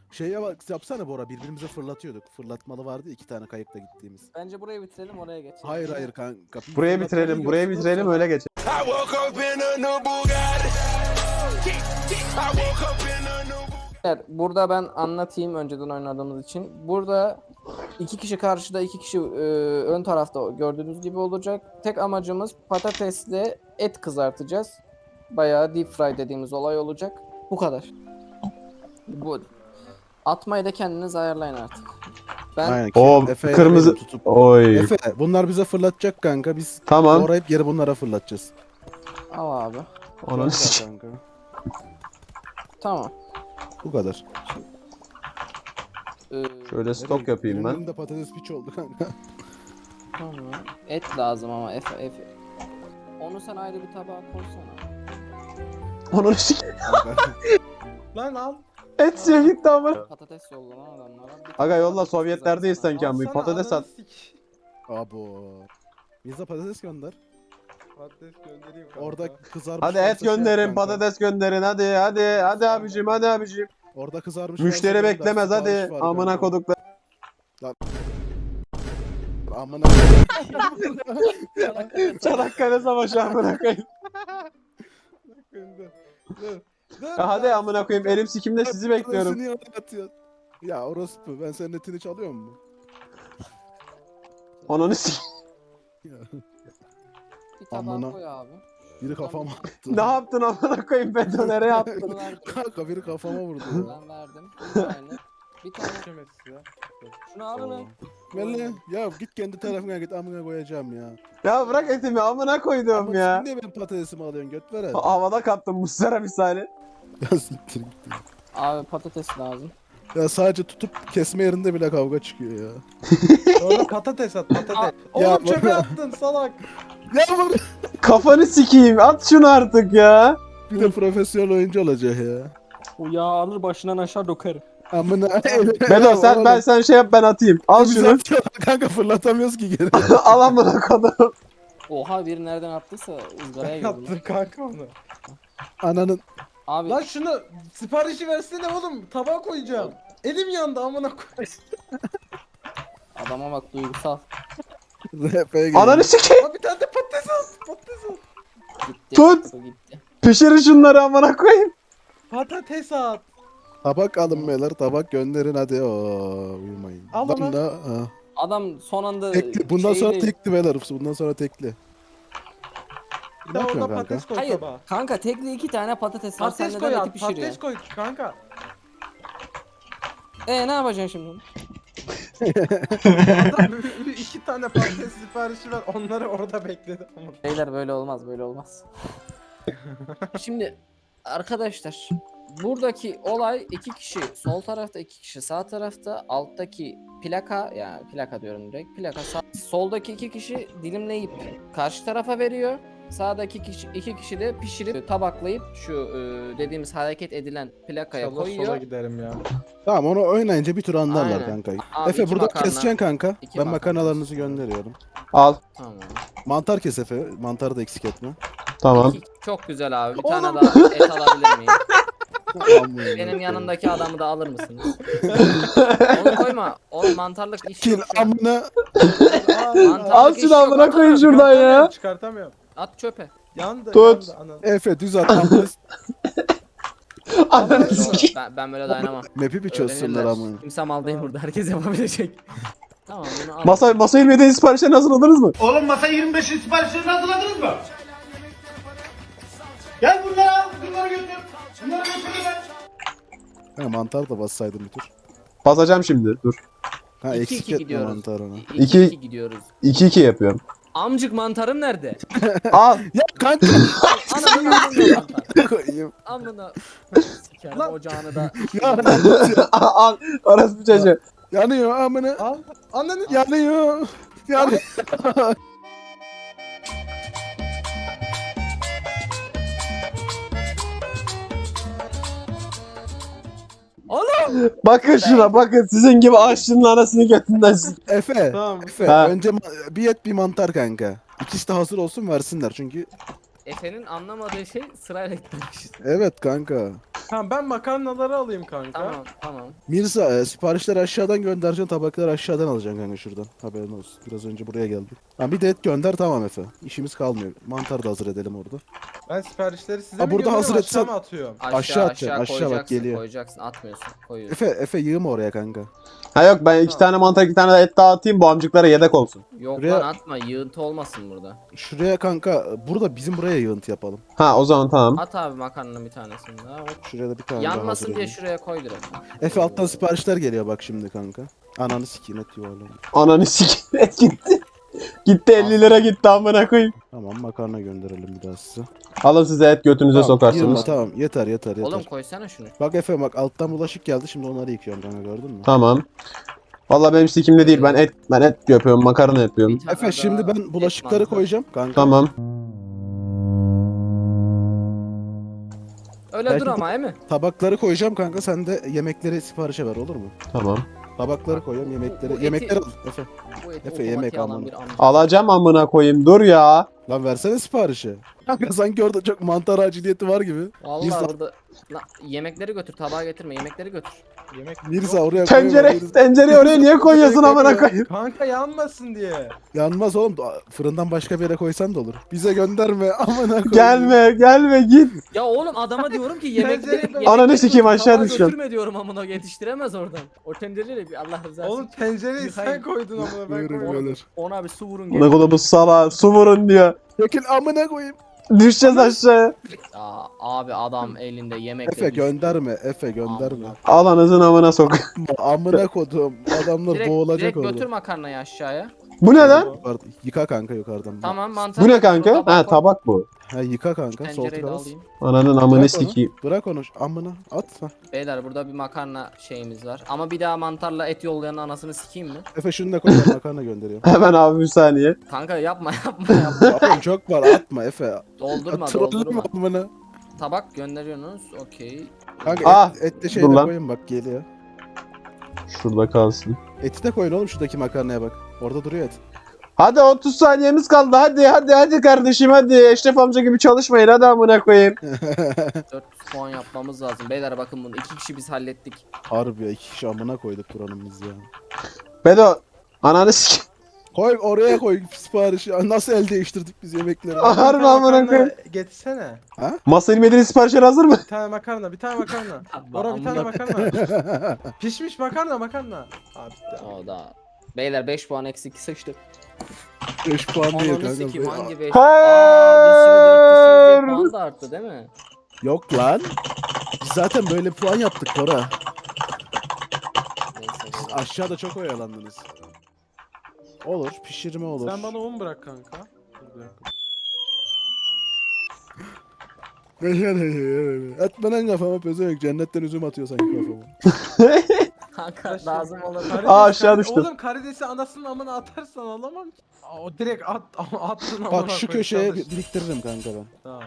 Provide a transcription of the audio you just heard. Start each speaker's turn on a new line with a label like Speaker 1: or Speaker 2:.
Speaker 1: Şeye bak yapsana Bora, birbirimize fırlatıyorduk. Fırlatmalı vardı ya, 2 tane kayıkla gittiğimiz.
Speaker 2: Bence burayı bitirelim oraya geçelim.
Speaker 1: Hayır hayır kanka. bir
Speaker 3: Buraya
Speaker 1: fırlatmayı
Speaker 3: bitirelim, buraya
Speaker 1: görsünler,
Speaker 3: bitirelim
Speaker 1: sonra-
Speaker 3: öyle geçelim.
Speaker 4: I woke up in a new Bugatti. I woke up in a new
Speaker 2: Evet, burada ben anlatayım önceden oynadığımız için. Burada 2 kişi karşıda, 2 kişi ön tarafta gördüğünüz gibi olacak. Tek amacımız patatesle et kızartacağız. Bayağı deep fry dediğimiz olay olacak. Bu kadar. Bu. Atmayı da kendiniz ayarlayın artık. Ben
Speaker 1: Aynen.
Speaker 3: O
Speaker 1: Efe'ye
Speaker 3: kırmızı-
Speaker 1: verin tutup.
Speaker 3: Oy.
Speaker 1: Efe bunlar bize fırlatacak kanka, biz
Speaker 3: Tamam.
Speaker 1: doğrayıp geri bunlara fırlatacağız.
Speaker 2: al abi.
Speaker 3: Onun
Speaker 1: Gönder
Speaker 3: için.
Speaker 1: kanka.
Speaker 2: Tamam.
Speaker 1: Bu kadar.
Speaker 3: Şöyle stok yapayım ben.
Speaker 1: Birinin de patates piç oldu kanka.
Speaker 2: Tamam. Et lazım ama Efe. Onu sen ayrı bir tabağa koysana.
Speaker 3: Onun için.
Speaker 5: Lan al.
Speaker 3: Et suya gitti ama.
Speaker 2: Patates yollanan adamlara. bir
Speaker 3: Aga
Speaker 2: tane
Speaker 3: yolla,
Speaker 2: patates
Speaker 3: Sovyetlerdeyiz
Speaker 2: kızartsana.
Speaker 3: sanki abi.
Speaker 5: Alsana,
Speaker 3: Patates
Speaker 5: ananı
Speaker 3: at.
Speaker 5: sik.
Speaker 1: Abo. Bize patates gönder.
Speaker 5: Patates göndereyim kanka.
Speaker 1: Orada kızarmış.
Speaker 3: Hadi
Speaker 1: varsa
Speaker 3: et
Speaker 1: şey yap
Speaker 3: gönderin,
Speaker 1: kanka.
Speaker 3: patates gönderin. Hadi abicim, hadi abicim.
Speaker 1: Orada kızarmış.
Speaker 3: Müşteri
Speaker 1: varsa
Speaker 3: beklemez
Speaker 1: gönder,
Speaker 3: hadi.
Speaker 1: sipariş var
Speaker 3: Amına
Speaker 1: kanka.
Speaker 3: koduklar.
Speaker 1: Amına.
Speaker 3: Çanakkale Savaşı amına koyayım. Ya hadi amına koyayım, elim sikimde sizi bekliyorum.
Speaker 1: Patatesini oraya atıyor. Ya orospu, ben senin etini çalıyor mu?
Speaker 3: Ananı sik.
Speaker 1: Ya,
Speaker 2: Bir tabağa
Speaker 1: Amına.
Speaker 2: koy abi.
Speaker 1: biri kafama attı.
Speaker 3: Ne yaptın amına koyayım, betonere yaptın.
Speaker 2: Bunu verdim.
Speaker 1: Kanka biri kafama vurdu ya.
Speaker 2: Ben verdim. Bir tane. Bir tane.
Speaker 5: Şemesi ya.
Speaker 2: Şunu alın lan.
Speaker 1: Valla ya git kendi tarafına git, amına koyacağım ya.
Speaker 3: Ya bırak etimi, amına koydum
Speaker 1: Ama
Speaker 3: ya.
Speaker 1: sen niye benim patatesimi alıyorsun, göt ver hadi.
Speaker 3: Havada kaptım Muslera misali.
Speaker 1: Ya siktir git.
Speaker 2: Abi patates lazım.
Speaker 1: Ya sadece tutup kesme yerinde bile kavga çıkıyor ya.
Speaker 5: Orada patates at patates.
Speaker 1: Ya
Speaker 5: Oğlum çöpe
Speaker 1: bana-
Speaker 5: attın salak.
Speaker 1: Ya bak,
Speaker 3: Kafanı sikeyim, at şunu artık ya.
Speaker 1: bir de profesyonel oyuncu olacak ya.
Speaker 2: O yağ alır başından aşağı dökerim.
Speaker 1: Amına.
Speaker 3: Bedo sen şey yap, ben atayım. Al şunu.
Speaker 1: Kanka fırlatamıyoruz ki geri.
Speaker 3: Al amına kodum.
Speaker 2: Oha biri nereden attıysa ızgaraya girdi. lan.
Speaker 5: Yaptın kanka onu.
Speaker 1: Ananın.
Speaker 2: Abi
Speaker 5: Lan şunu siparişi versene oğlum. Tabağa koyacağım. Elim yandı amına koy.
Speaker 2: adama bak duygusal.
Speaker 1: RP'ye gel.
Speaker 3: Ananı sikeyim.
Speaker 5: Abi bir tane de patates at. Patates at.
Speaker 2: Gitti.
Speaker 3: Tut.
Speaker 2: Bu gitti.
Speaker 3: Pişirin şunları amına koyayım.
Speaker 5: Patates at.
Speaker 1: Tabak alın beyler, tabak gönderin hadi. Oo, uyumayın.
Speaker 5: Al
Speaker 1: Lan
Speaker 5: onu.
Speaker 1: da, ha.
Speaker 2: Adam son anda
Speaker 1: Tekli. Bundan sonra
Speaker 2: şeyli-
Speaker 1: tekli beyler. Bundan sonra tekli.
Speaker 5: Bir
Speaker 1: Ne
Speaker 5: de orada
Speaker 1: yapıyorsun kanka?
Speaker 5: patates koy
Speaker 2: Hayır
Speaker 5: tabağa.
Speaker 2: kanka tekli 2 tane patates var. Sen
Speaker 5: Patates
Speaker 2: neden
Speaker 5: koy
Speaker 2: eti
Speaker 5: at.
Speaker 2: pişiriyorsun?
Speaker 5: Patates koy kanka.
Speaker 2: Ne yapacaksın şimdi?
Speaker 5: Adam 2 tane patates siparişi ver. Onları orada bekledi.
Speaker 2: Beyler böyle olmaz böyle olmaz. Şimdi arkadaşlar buradaki olay 2 kişi sol tarafta 2 kişi sağ tarafta alttaki plaka yani plaka diyorum direkt plaka soldaki 2 kişi dilimleyip karşı tarafa veriyor. Sağdaki iki kişi de pişirip tabaklayıp şu dediğimiz hareket edilen plakaya
Speaker 5: İnşallah sola
Speaker 2: koyuyor.
Speaker 5: giderim ya.
Speaker 1: Tamam, onu oynayınca bir tur anlarlar
Speaker 2: Aynen.
Speaker 1: kanka.
Speaker 2: Abi
Speaker 1: Efe
Speaker 2: iki
Speaker 1: burada
Speaker 2: makarna.
Speaker 1: keseceksin kanka.
Speaker 2: İki
Speaker 1: Ben
Speaker 2: makarna.
Speaker 1: makarnalarınızı gönderiyorum.
Speaker 3: Al.
Speaker 2: Tamam.
Speaker 1: Mantar kes Efe. Mantarı da eksik etme.
Speaker 3: Tamam.
Speaker 2: Çok güzel abi. Bir tane daha et alabilir miyim? Benim yanımdaki adamı da alır mısınız? Onu koyma. Oğlum mantarlık iş
Speaker 1: Kil
Speaker 2: yok şu an.
Speaker 1: amına.
Speaker 2: Mantarlık
Speaker 3: Al
Speaker 2: iş
Speaker 3: şunu
Speaker 2: yok.
Speaker 3: amına
Speaker 2: At,
Speaker 3: koyayım şuradan ya.
Speaker 5: Çıkartamıyorum.
Speaker 2: at çöpe.
Speaker 5: Yandı.
Speaker 3: Tut.
Speaker 5: Yandı anam.
Speaker 1: Efe düz at. amına.
Speaker 3: Ananı sikeyim.
Speaker 2: Ben böyle dayanamam.
Speaker 1: Map'i bir çözsünler
Speaker 2: Öğrenirler.
Speaker 1: amına.
Speaker 2: Kimse mal değil burada. Herkes yapabilecek. Tamam bunu al.
Speaker 3: Masa 27'nin siparişlerini hazırladınız mı?
Speaker 6: Oğlum masa 25'in siparişlerini hazırladınız mı? Gel bunları al, bunları götür. Bunları götür be.
Speaker 1: Ha, mantar da bassaydım bir tur.
Speaker 3: Basacağım şimdi. Dur.
Speaker 1: Ha
Speaker 2: 2-2
Speaker 1: eksik etme
Speaker 2: gidiyoruz.
Speaker 1: mantarını.
Speaker 2: 2-2 gidiyoruz.
Speaker 3: 2-2 yapıyorum.
Speaker 2: Amcık mantarım nerede?
Speaker 3: Al.
Speaker 1: Ya kanka.
Speaker 2: Ananın amında mantar.
Speaker 1: koyayım.
Speaker 2: Amına. Sikerim
Speaker 5: Lan.
Speaker 2: ocağını da.
Speaker 1: Ya,
Speaker 3: Al. Orası bir çocuğu.
Speaker 1: yanıyor amına.
Speaker 5: Al. Ananı
Speaker 1: Yanıyor. Yanıyor.
Speaker 3: Bakın şuna bakın. Sizin gibi aşçının anasını götünden sik.
Speaker 1: Efe.
Speaker 5: Tamam.
Speaker 1: Efe
Speaker 3: Ha.
Speaker 1: önce bir et bir mantar kanka. İkisi de hazır olsun versinler çünkü
Speaker 2: Efe'nin anlamadığı şey sırayla gitmemişiz.
Speaker 1: Evet kanka.
Speaker 5: Tamam ben makarnaları alayım kanka.
Speaker 2: Tamam.
Speaker 1: Mirza siparişleri aşağıdan göndereceksin, tabakları aşağıdan alacaksın kanka şuradan. Haberin olsun. Biraz önce buraya geldik. Ha bir de et gönder, tamam Efe. İşimiz kalmıyor. Mantar da hazır edelim orada.
Speaker 5: Ben siparişleri size
Speaker 1: Ha,
Speaker 5: mi
Speaker 1: burada
Speaker 5: gönderiyorum,
Speaker 1: hazır
Speaker 5: aşağı
Speaker 1: etsen-
Speaker 5: mı atıyorum?
Speaker 1: Aşağı atacaksın, aşağı bak,
Speaker 2: koyacaksın,
Speaker 1: geliyor.
Speaker 2: Koyacaksın, atmıyorsun. Koyuyorsun.
Speaker 1: Efe yığma oraya kanka.
Speaker 3: Ha yok ben 2 tane mantar 2 tane et dağıtayım bu amcıklara yedek olsun.
Speaker 2: Yok
Speaker 1: Buraya-
Speaker 2: lan atma, yığıntı olmasın burada.
Speaker 1: Şuraya kanka, burada bizim buraya yığıntı yapalım.
Speaker 3: Ha o zaman tamam.
Speaker 2: At abi makarnanın bir tanesini daha. Hop.
Speaker 1: Şuraya da bir tane daha hazır
Speaker 2: Yanmasın diye
Speaker 1: edeyim.
Speaker 2: şuraya koy direkt.
Speaker 1: Efe alttan siparişler geliyor bak şimdi kanka. Ananı sikeyim, et yuvarlanıyor.
Speaker 3: Ananı sikeyim et gitti. Gitti 50 lira gitti amına koyayım.
Speaker 1: Tamam makarna gönderelim bir daha size.
Speaker 3: Alın size et götünüze
Speaker 1: Tamam,
Speaker 3: sokarsınız.
Speaker 1: yığma, tamam yeter.
Speaker 2: Oğlum koysana şunu.
Speaker 1: Bak Efe bak alttan bulaşık geldi, şimdi onları yıkıyorum kanka, gördün mü?
Speaker 3: Tamam. Valla benim sikimde değil ben et yapıyorum makarna yapıyorum.
Speaker 2: Bir tane
Speaker 1: Efe şimdi
Speaker 2: daha
Speaker 1: ben bulaşıkları
Speaker 2: et mantar.
Speaker 1: koyacağım kanka.
Speaker 3: Tamam.
Speaker 2: Öyle
Speaker 1: Belki
Speaker 2: dur ama değil mi?
Speaker 1: Tabakları koyacağım kanka, sen de yemekleri siparişe ver, olur mu?
Speaker 3: Tamam.
Speaker 1: Tabakları koyuyorum,
Speaker 2: Bu
Speaker 1: yemekleri.
Speaker 2: eti-
Speaker 1: Yemekleri al Efe.
Speaker 2: Bu eti
Speaker 1: Efe, yemek
Speaker 2: otomatiğe alan
Speaker 1: almanı.
Speaker 2: bir amca.
Speaker 3: Alacağım amına koyayım dur ya.
Speaker 1: Lan versene siparişi. Kanka sanki orada çok mantar aciliyeti var gibi.
Speaker 2: Vallahi
Speaker 1: Mirza-
Speaker 2: orada. Lan, yemekleri götür, tabağa getirme, yemekleri götür.
Speaker 5: Yemek
Speaker 1: Mirza oraya koyma.
Speaker 3: Tencereyi oraya niye koyuyorsun amına koyayım?
Speaker 5: Kanka yanmasın diye.
Speaker 1: Yanmaz oğlum. Fırından başka bir yere koysan da olur. Bize gönderme. Amına koyayım.
Speaker 3: Gelme git.
Speaker 2: Ya oğlum adama diyorum ki
Speaker 5: Tencereyi-
Speaker 3: Ananı sikeyim, aşağı
Speaker 2: tabağa
Speaker 3: düşeceğim.
Speaker 2: götürme diyorum amına, yetiştiremez oradan. O tencereyle bir Allah rızası
Speaker 5: Oğlum
Speaker 2: için.
Speaker 5: tencereyi sen
Speaker 2: Hayır.
Speaker 5: koydun ama ben
Speaker 1: Buyurun
Speaker 5: koymadım.
Speaker 1: beyler.
Speaker 2: Ona bir su vurun
Speaker 3: Ne
Speaker 2: gelin.
Speaker 3: kadar bu sala su vurun diyor.
Speaker 1: Çekil amına koyayım.
Speaker 3: Düşeceğiz aşağıya.
Speaker 2: Ya abi adam elinde yemekle
Speaker 1: Efe
Speaker 2: düştü.
Speaker 1: gönderme. Efe gönderme.
Speaker 2: Amına.
Speaker 3: Alanızın amına sok.
Speaker 1: Amına kodum. Adamlar
Speaker 2: Direkt
Speaker 1: boğulacak
Speaker 2: götür
Speaker 1: orada.
Speaker 2: makarnayı aşağıya.
Speaker 3: Bu ne lan?
Speaker 1: Yıka kanka yukarıdan.
Speaker 2: Tamam mantar.
Speaker 3: Bu ne kanka?
Speaker 2: Tabağa
Speaker 3: Ha
Speaker 2: koy.
Speaker 3: tabak bu.
Speaker 1: Ha yıka kanka. Sol
Speaker 2: Tencereyi de
Speaker 1: tıkla.
Speaker 2: alayım.
Speaker 3: Ananın amını
Speaker 1: Bırak onu.
Speaker 3: sikeyim.
Speaker 1: Bırak onu. Amına at. Ha.
Speaker 2: Beyler burada bir makarna şeyimiz var. Ama bir daha mantarla et yollayan anasını sikeyim mi?
Speaker 1: Efe şunu da koy, ben makarna gönderiyorum.
Speaker 3: Hemen abi bir saniye.
Speaker 2: Kanka yapma.
Speaker 1: Oğlum çok var, atma Efe.
Speaker 2: Doldurma
Speaker 1: Trolleme amına.
Speaker 2: Tabak gönderiyorsunuz. Okey.
Speaker 1: Kanka
Speaker 3: Ah,
Speaker 1: et de
Speaker 3: dur
Speaker 1: şeyde
Speaker 3: lan.
Speaker 1: koyun bak, geliyor.
Speaker 3: Şurada kalsın.
Speaker 1: Eti de koyun oğlum, şuradaki makarnaya bak. Orada duruyor et.
Speaker 3: Hadi 30 saniyemiz kaldı. Hadi kardeşim hadi. Eşref amca gibi çalışmayın hadi amına koyayım.
Speaker 2: 400 puan yapmamız lazım. Beyler bakın bunu 2 kişi biz hallettik.
Speaker 1: Harbi ya, 2 kişi amına koyduk buranın biz ya.
Speaker 3: Bedo ananı sikeyim.
Speaker 1: Koy oraya koy siparişi. Nasıl el değiştirdik biz yemekleri?
Speaker 3: Harbi amına koyayım.
Speaker 5: Getirsene.
Speaker 3: Masa ilmediğiniz siparişler hazır mı?
Speaker 5: Bir tane makarna, bir tane makarna. Bora bir tane makarna. Pişmiş makarna. Abi bitti.
Speaker 2: O da. Beyler 5 puan eksik sıçtı.
Speaker 1: 5 puan değil
Speaker 2: Ananı sikeyim
Speaker 1: kanka.
Speaker 2: hangi 5?
Speaker 3: Hayır.
Speaker 2: Biz şimdi 4 kişiyiz diye puan da arttı değil mi?
Speaker 1: Yok lan. Biz zaten böyle puan yaptık Bora.
Speaker 2: Neyse. beyler.
Speaker 1: Aşağıda çok oyalandınız. Olur, pişirme olur.
Speaker 5: Sen bana 10 bırak kanka. Dur, bir dakika.
Speaker 1: Etme lan kafama pezevenk, cennetten üzüm atıyor sanki kafama.
Speaker 2: Kanka lazım olur.
Speaker 5: Karides,
Speaker 3: aşağı düştüm.
Speaker 5: Oğlum karidesi anasının amına atarsan alamam ki. O direkt attın amına
Speaker 1: Bak şu
Speaker 5: koyayım,
Speaker 1: köşeye
Speaker 5: çalış.
Speaker 1: biriktiririm kanka ben.
Speaker 5: Tamam.